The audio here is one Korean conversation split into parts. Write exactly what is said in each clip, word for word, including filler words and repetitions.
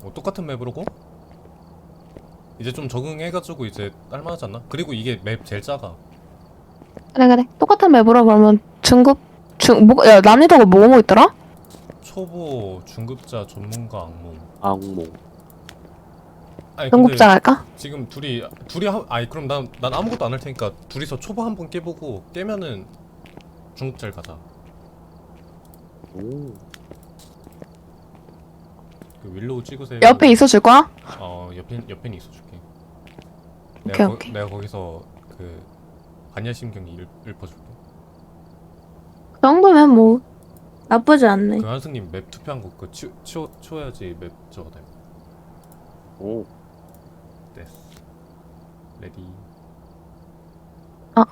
뭐 똑같은 맵으로고 이제 좀 적응해가지고 이제 딸만하지 않나? 그리고 이게 맵 제일 작아. 그래 그래 똑같은 맵으로 그러면 중급 중 뭐, 야 난이도가 뭐 뭐 있더라? 초보, 중급자, 전문가, 악몽. 악몽. 아니 근데 중급자 할까? 지금 둘이 둘이 하, 아니 그럼 난, 난 아무것도 안 할 테니까 둘이서 초보 한 번 깨보고 깨면은 중급자를 가자. 오. 그 윌로우 찍으세요. 옆에 있어줄 거야? 어 옆에 옆에 있어줄게. 오케이, 내가, 오케이. 거, 내가 거기서 그 반야심경이 읽, 읽어줄게. 그 정도면 뭐 나쁘지 않네. 그 한승님 맵 투표한 거그 치워 치워 치워야지 맵 저거 돼. 오. 됐어. 레디. 아.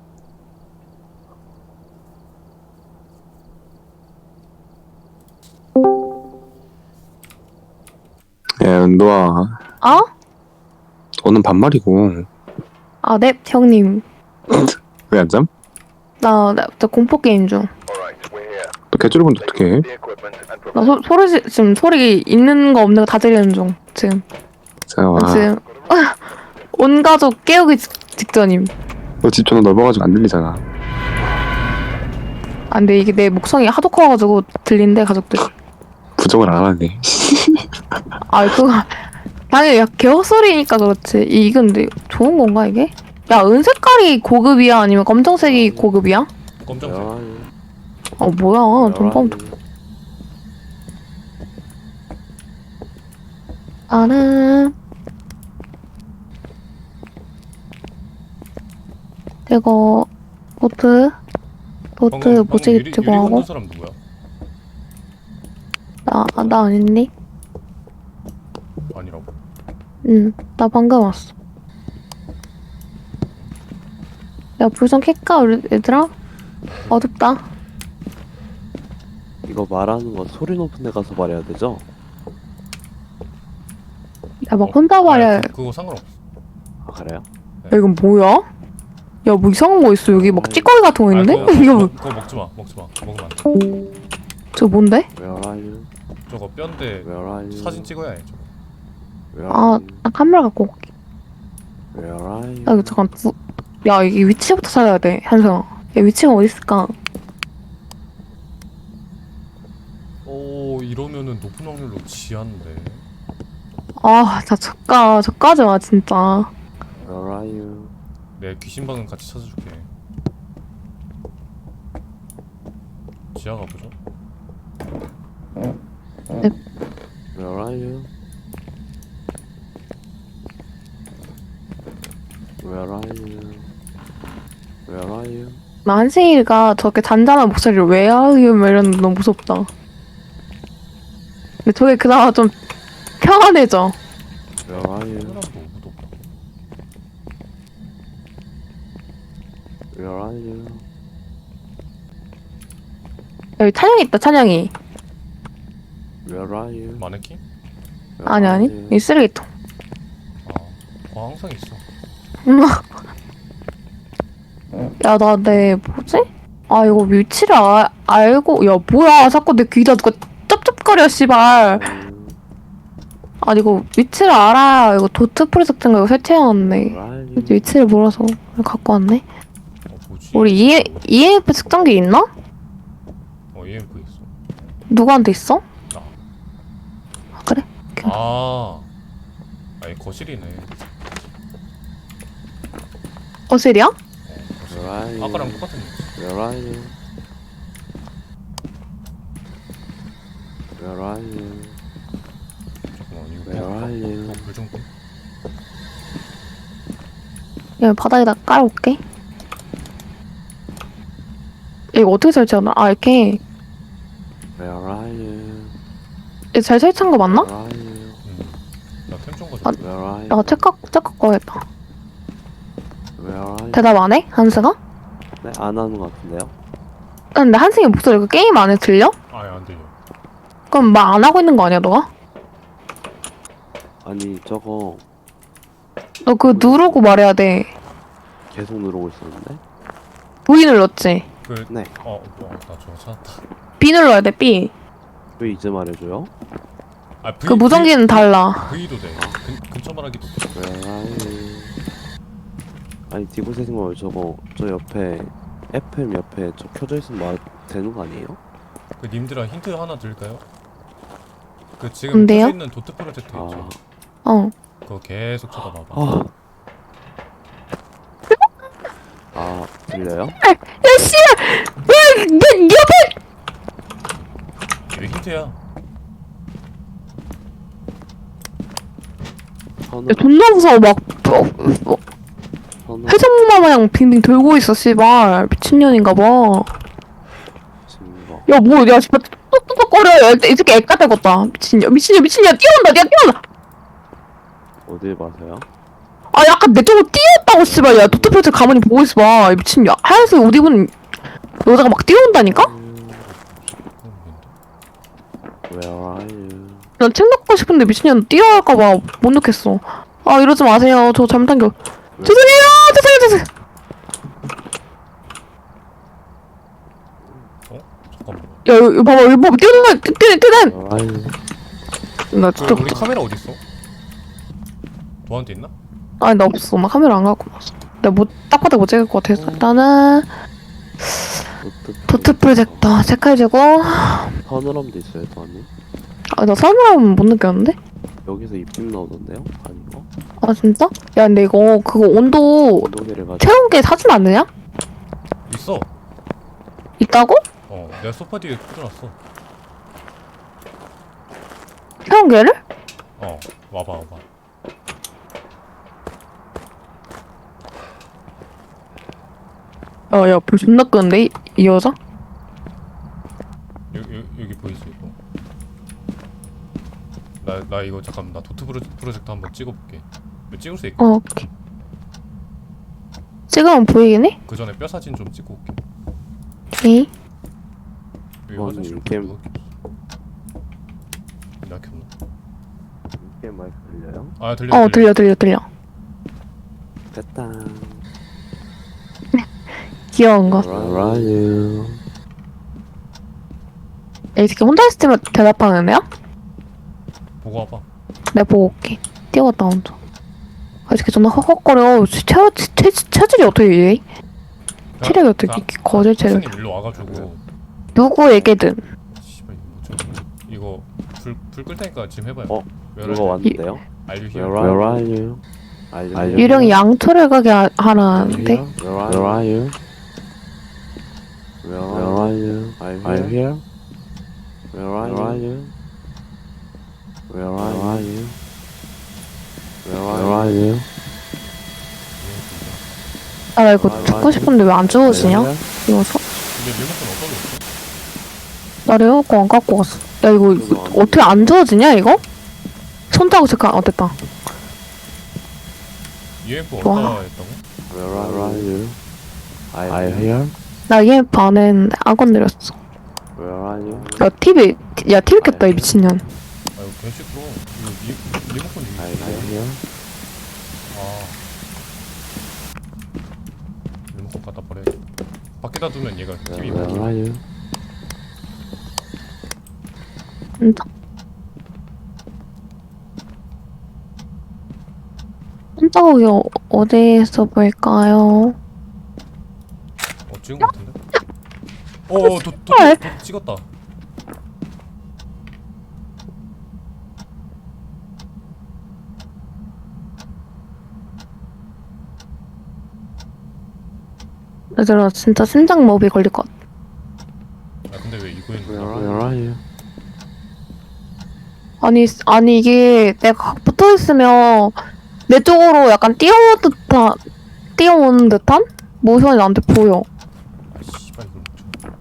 야, 은도아, 어? 오늘 반말이고. 아, 네, 형님. 왜 안 잠? 나, 나, 나 공포 게임 중. 너 개조리 본데 어떡해? 나 소, 소리 지- 지금 소리 있는 거 없는 거 다 들리는 중. 지금. 자, 나 와. 지금 온 가족 깨우기 직, 직전임. 너 집 전화 넓어가지고 안 들리잖아. 아, 근데 이게 내 목성이 하도 커가지고 들린대 가족들. 부정을 안 하네. 아, 그거 당연히 야, 개화 소리니까 그렇지. 이 근데 좋은 건가 이게? 야, 은색깔이 고급이야 아니면 검정색이 고급이야? 검정색. 열. 어 뭐야? 좀 뻔. 나는 이거 보트 보트 방금 무지개 유리, 들고 유리 하고 건든 사람 누구야? 나 나 아닌니? 아니라고? 응, 나 방금 왔어. 야, 불 좀 켤까 우리 얘들아? 어둡다. 이거 말하는 거 소리 높은 데 가서 말해야 되죠? 야, 막 혼자 말이야. 아니, 그, 그거 상관없어. 아 그래요? 야, 이건 뭐야? 야, 뭐 이상한 거 있어. 여기 막 찌꺼기 같은 거 있는데? 아니, 그거, 이거 그거, 뭐- 그거 먹지 마. 먹지 마. 먹으면 안 돼. 저거 뭔데? Where are you? 저거 뼈인데 Where are you? 사진 찍어야 해. 저거. Where 아, are you? 나 카메라 갖고 올게. Where are you? 야, 이거 잠깐 부... 야, 이게 위치부터 찾아야 돼, 현성아. 야, 위치가 어디 있을까? 오 이러면은 높은 확률로 지하인데. 아, 나 저까, 저까지 와, 진짜. Where are you? 내 귀신방은 같이 찾아줄게. 지하 가보죠. Where are you? Where are you? Where are you? 나 한승이가 저렇게 잔잔한 목소리를 왜 하요? 막 이러는데 너무 무섭다. 근데 저게 그나마 좀 평안해져. Where are you? 사람도 오고도 없다. Where are you? 여기 찬영이 있다, 찬영이. Where are you? 마네킹? Where 아니, are 아니. you? 이 쓰레기통. 아, 어 항상 있어. 야, 나 내, 뭐지? 아, 이거 위치를 아, 알고, 야, 뭐야. 자꾸 내 귀에다 누가 쩝쩝거려, 씨발. 음, 아, 이거 위치를 알아야 이거 도트 프로젝트인가 이거 설치해놨네. Where are you? 위치를 몰라서 갖고 왔네. 어 뭐지? 우리 E, 이엠에프 측정기 있나? 어 이엠프 있어. 누구한테 있어? 나. 아, 그래? 아, 아니 거실이네. 거실이야? 어, 거실. Where are you? 아까랑 똑같은 위치. Where are you? Where are you? 잠깐만 이거 Where are you? 불좀 꺼. 여기 바닥에다 깔아올게. 이거 어떻게 설치하나? 아, 이렇게. Where are you? 이거 잘 설치한 거 맞나? Where are you? 음. 나템좀 아, 가져. Where are you? 야, 책 갖고, 책 갖고 와야겠다. Where are you? 대답 안 해? 한승아? 네, 안 하는 것 같은데요? 근데 한승이 목소리 그 게임 안에 들려? 아예 안 들려. 그럼 말 안 하고 있는 거 아니야, 너가? 아니 저거 너 그거 누르고 말해야 돼. 계속 누르고 있었는데? V 눌렀지? 그 네. 어, 어, 나 저거 찾았다. B 눌러야 돼, B. 왜 이제 말해줘요? 아, V, 그 무전기는 달라. V도 돼. 근, 근처 말하기도 돼. Where are you? 아니 디고세징어 저거 저 옆에 에프엠 옆에 저 켜져 있으면 말 되는 거 아니에요? 그 님들아 힌트 하나 드릴까요? 그 지금 뭔데요? 켜져 있는 도트 프로젝트 있죠? 아, 어. 그거 계속 쳐다봐봐. 아, 아 들려요? 야 씨야! 왜내 옆에 이게 힌트야. 선우 야, 존나 무서워. 막 어, 어, 선우 해산물 마냥 빙빙 돌고 있어 씨발. 미친년인가 봐. 증거 야 뭐 야 씨발 뚝뚝뚝거려. 야, 이 새끼 애까 대겄다. 미친년 미친년 미친년 뛰어온다. 야 뛰어온다. 어딜 봐서요? 아 약간 내 쪽으로 뛰었다고 씨발. 야 도트표트 가만히 보고 있어봐. 이 미친년. 하얀색 옷 입은 여자가 막 뛰어온다니까? 음, 그건 뭔데? Where are you? 난 책 넣고 싶은데 미친년 뛰어갈까봐 못 넣겠어. 아 이러지 마세요. 저 잘못한 게 죄송해요. 죄송해요. 죄송해요. 어? 잠깐만. 야 이거 이거 봐봐. 이거 봐봐. 뛰어오는 거야. 뛰어 뛰어 뛰어. Where are you? 나 그 진짜 우리 카메라 어디 있어? 너한테 있나? 아니 나 없어. 나 카메라 안 갖고 왔어. 내가 뭐딱 봐도 못 찍을 것 같아서 일단은 도트 도트 프로젝터 색깔제고. 서늘함도 있어요, 선우? 아나 설명하면 못 느꼈는데? 여기서 입김 나오던데요? 아닌가? 아 진짜? 야 근데 이거 그거 온도 온도계를 가지고 채운 게 사진 안 되냐? 있어. 있다고? 어, 내가 소파 뒤에 꽂아놨어. 채운 게를? 어, 와봐, 와봐. 야야 불 존나 끄는데 이, 이 여자? 여기, 여기, 여기 보이지 이거? 나, 나 이거 잠깐 나 도트 프로, 프로젝트 한번 찍어볼게. 이거 찍을 수 있고 어 오케이. 찍으면 보이긴 해? 그 전에 뼈 사진 좀 찍고 올게. 오케이. 여기 어, 화장실 이렇게- 누가 켰어? 나 켰나? 입김 마이크 들려요? 아 들려. 어 들려 들려 들려. 됐다. 귀여운 거. Where are you? 야, 이 새끼 혼자 있을 때만 대답하는 애야? 보고 와봐. 내가 보고 올게. 뛰어갔다 혼자. 아, 이 새끼 존나 헉헉거려. 체, 체, 체, 체질이 어떻게 이래? 체력이 어떻게 이렇게 거절 체력? 선생님 일로 와가지고. 누구에게든. 씨발 이거 뭐죠? 이거 불 불 끌 테니까 지금 해봐요. 어? Where 누가 are you? 왔는데요? Are you Where here? are you? Are you here? 유령이 양초를 가게 하- 하라는데? Where are you? Where are you? Are you here? Where are you? Where are you? Where are you? 아, 나 이거 듣고 싶은데 왜 안 주워지냐? 이거 서, 근데 리모컨 어디다 놨어? 나 레어건 안 갖고 왔어. 야, 이거, 이거 어떻게 안 주워지냐, 이거? 손자국 색깔, 어, 됐다. 유엠프 와. 어디다 했다고? Where are you? Are you here? 나 이엠프 안 했는데 악원 내렸어. Where are you? 야, 티비, 야, 티비 켰다, 이 미친년. 아 이거 개시끄러. 이거 리, 리모컨 Are 이거. you here? 아. 리모컨 갖다 버려야겠다. 밖에다 두면 얘가 티비 Where 못 are you? 진짜? 손자국이 어, 어디에서 볼까요? 어 찍은 거 같은데? 어어 도, 도, 도, 헐. 도, 찍었다. 얘들아, 진짜 심장마비 걸릴 것 같아. 아 근데 왜 이거에 Where 있는 are you? 아니, 아니, 이게 내가 붙어 있으면 내 쪽으로 약간 뛰어오는 듯한, 뛰어오는 듯한 모션이 나한테 보여. 아 씨발 이걸 못 쳐.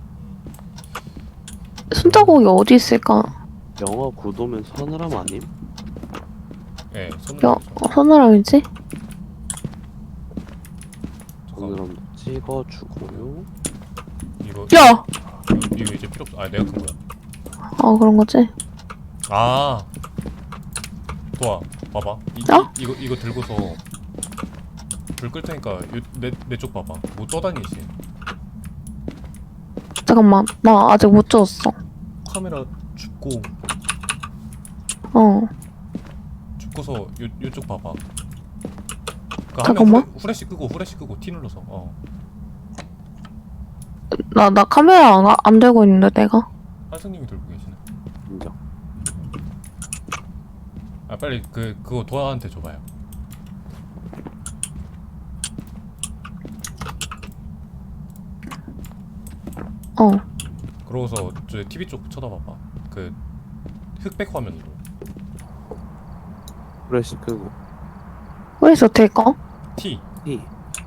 손자국이 어디 있을까? 영어 구도면 서늘함 아님? 예, 손으로. 야, 어, 서늘함이지? 잠깐 서늘함도 찍어주고요. 이거 야! 이거, 이거 이제 필요 없어. 아 내가 큰 거야. 아, 그런 거지? 아. 도와 봐봐. 이, 어? 이, 이거 이거 들고서 불 끌 테니까 내내 쪽 봐봐. 뭐 떠다니지? 잠깐만, 나 아직 못 줬어. 카메라 줍고 어. 죽고서 요, 요쪽 봐봐. 그 잠깐만. 후레, 후레쉬 끄고 후레쉬 끄고 T 눌러서 어. 나, 나 카메라 안, 안 들고 있는데, 내가? 한승님이 들고 계시네. 인정. 아 빨리 그 그거 도아한테 줘봐요. 어. 그러고서 저 티비 쪽 쳐다봐봐. 그 흑백 화면으로. 프레시 끄고. 왜 있어, 어떻게 꺼? T. T.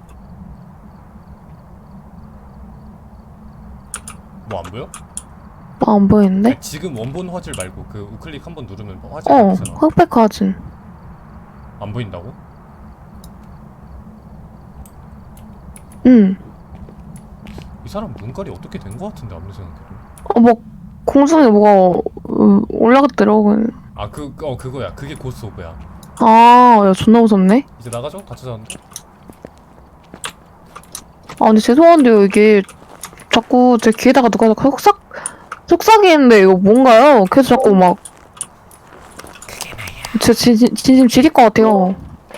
뭐 안 보여? 뭐 안 보이는데? 아니, 지금 원본 화질 말고 그 우클릭 한번 누르면 화질 어, 바뀌잖아. 흑백 화진. 안 보인다고? 응. 이 사람 눈깔이 어떻게 된 거 같은데 아무리 생각해도. 어, 뭐, 공중에 뭐가 어, 올라갔더라고. 아 그 어 그거야. 그게 고스 오브야. 아, 야, 존나 무섭네? 이제 나가죠? 다 찾았는데. 아, 근데 죄송한데요, 이게 자꾸 제 귀에다가 누가 자꾸 속삭, 속삭이는데 이거 뭔가요? 계속 자꾸 막. 제 진심, 진심 지릴 것 같아요.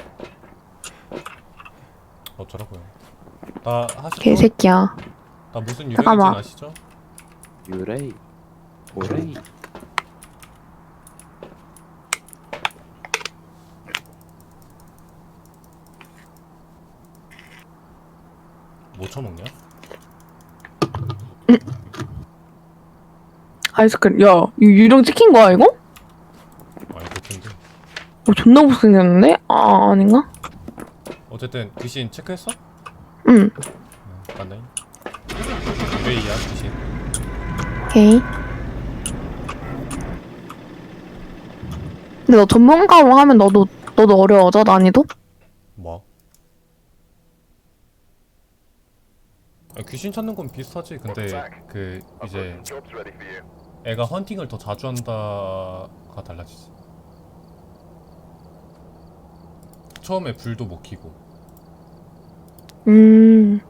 어쩌라고요. 나 하시죠? 개새끼야. 나 무슨 유령인지 잠깐만. 아시죠? 유레이. 오레이. 뭐 쳐먹냐? 아이스크림. 야, 이거 유령 찍힌 거야, 이거? 아니 그렇던데. 어, 존나 못생겼는데? 아, 아닌가? 어쨌든 귀신 체크했어? 응. 응, 맞나요? 왜이야 귀신? 오케이. 근데 너 전문가로 하면 너도, 너도 어려워져, 난이도? 뭐? 아, 귀신 찾는 건 비슷하지. 근데 그 이제 애가 헌팅을 더 자주 한다가 달라지지. 처음에 불도 못 켜고. 음.